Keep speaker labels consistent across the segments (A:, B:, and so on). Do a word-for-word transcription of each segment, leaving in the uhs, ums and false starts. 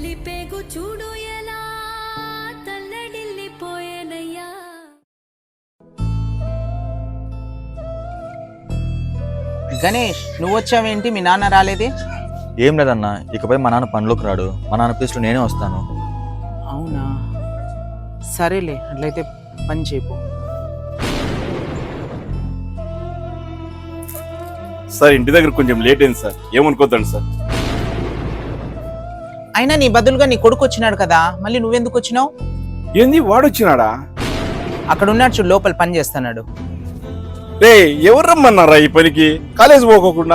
A: తల్లి పేగు చూడు ఎలా తల్లడిల్లిపోయేనయ్యా.
B: గణేష్, నువ్వు వచ్చావేంటి? మీ నాన్న రాలేదే?
C: ఏం లేదన్నా, ఇకపై మా నాన్న పనిలోకి రాడు. మా నాన్న ప్లేస్లో నేనే వస్తాను.
B: అవునా, సరేలే, అట్లయితే పని చేయకు.
D: సార్ ఇంటి దగ్గర కొంచెం లేట్ అయింది సార్, ఏమనుకోద్దండి సార్.
B: అయినా నీ బదులుగా నీ కొడుకు వచ్చినాడు కదా, మళ్ళీ నువ్వెందుకు వచ్చినావు?
D: ఏంది వాడొచ్చినాడా?
B: అక్కడ ఉన్నాడు చూడు, లోపల పని చేస్తున్నాడు.
D: రే ఎవరు రమ్మన్నారా ఈ పనికి? కాలేజ్ పోకోకుండా.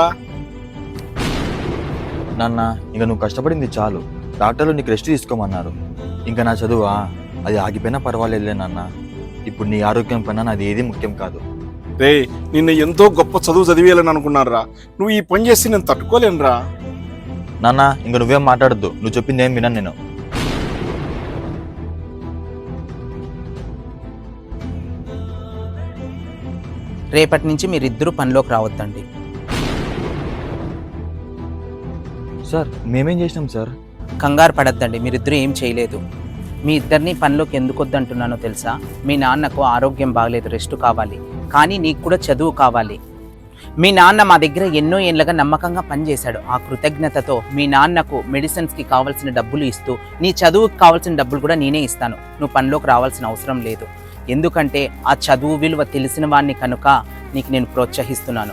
C: నాన్న, ఇంకా నువ్వు కష్టపడింది చాలు. డాక్టర్లు నీకు రెస్ట్ తీసుకోమన్నారు. ఇంకా నా చదువా, అది ఆగిపోయినా పర్వాలేదులే నాన్న. ఇప్పుడు నీ ఆరోగ్యం పైన నాది ఏది ముఖ్యం కాదు.
D: రే నిన్న ఎంతో గొప్ప చదువు చదివేయాలని అనుకున్నారా, నువ్వు ఈ పని చేసి నేను తట్టుకోలేనురా.
C: నాన్న, ఇంకా నువ్వేం మాట్లాడద్దు. నువ్వు చెప్పింది ఏం విన్నాను నేను.
B: రేపటి నుంచి మీరిద్దరూ పనిలోకి రావద్దండి.
C: సార్ మేమేం చేసినాం సార్?
B: కంగారు పడద్దండి, మీరిద్దరూ ఏం చేయలేదు. మీ ఇద్దరిని పనిలోకి ఎందుకు వద్దంటున్నానో తెలుసా? మీ నాన్నకు ఆరోగ్యం బాగలేదు, రెస్ట్ కావాలి. కానీ నీకు కూడా చదువు కావాలి. మీ నాన్న మా దగ్గర ఎన్నో ఏళ్ళగా నమ్మకంగా పనిచేశాడు. ఆ కృతజ్ఞతతో మీ నాన్నకు మెడిసిన్స్కి కావాల్సిన డబ్బులు ఇస్తూ నీ చదువుకి కావాల్సిన డబ్బులు కూడా నేనే ఇస్తాను. నువ్వు పనిలోకి రావాల్సిన అవసరం లేదు. ఎందుకంటే ఆ చదువు విలువ తెలిసిన వాడిని కనుక నీకు నేను ప్రోత్సహిస్తున్నాను.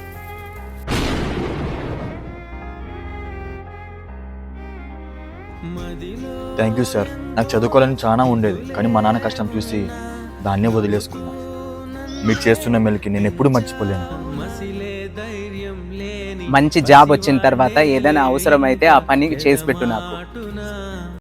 C: Thank you sir. నాకు చదువుకోవాలని చాలా ఉండేది, కానీ మా నాన్న కష్టం చూసి దాన్నే వదిలేసుకున్నా. మీరు చేస్తున్న మేలుకి నేను ఎప్పుడు మర్చిపోలేను.
B: మంచి జాబ్ వచ్చిన తర్వాత ఏదైనా అవసరం అయితే ఆ పని చేసి పెట్టు నాకు.